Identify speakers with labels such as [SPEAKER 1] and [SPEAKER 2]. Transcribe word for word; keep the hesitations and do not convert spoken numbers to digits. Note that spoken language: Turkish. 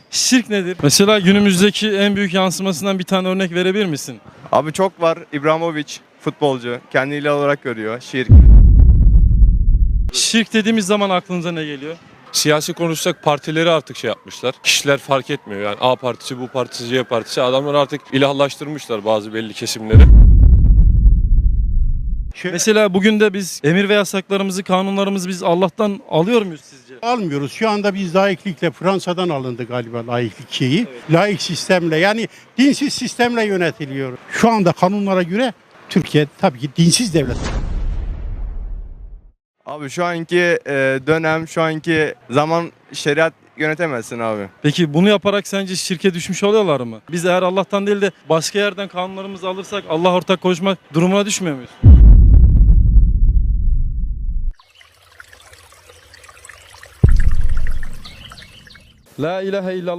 [SPEAKER 1] Şirk nedir? Mesela günümüzdeki en büyük yansımasından bir tane örnek verebilir misin?
[SPEAKER 2] Abi çok var. İbrahimovic futbolcu. Kendiyle olarak görüyor. Şirk.
[SPEAKER 1] Şirk dediğimiz zaman aklınıza ne geliyor?
[SPEAKER 3] Siyasi konuşsak partileri artık şey yapmışlar. Kişiler fark etmiyor yani A partisi, bu partisi, C partisi. Adamlar artık ilahlaştırmışlar bazı belli kesimleri.
[SPEAKER 1] Mesela bugün de biz emir ve yasaklarımızı, kanunlarımızı biz Allah'tan alıyor muyuz sizce?
[SPEAKER 4] Almıyoruz. Şu anda biz laiklikle Fransa'dan alındı galiba laiklik şeyi. Laik sistemle yani dinsiz sistemle yönetiliyor. Şu anda kanunlara göre Türkiye tabii ki dinsiz devlet.
[SPEAKER 2] Abi şu anki e, dönem, şu anki zaman şeriat yönetemezsin abi.
[SPEAKER 1] Peki bunu yaparak sence şirke düşmüş oluyorlar mı? Biz eğer Allah'tan değil de başka yerden kanunlarımızı alırsak Allah ortak koşmak durumuna düşmüyor muyuz? La ilahe illallah.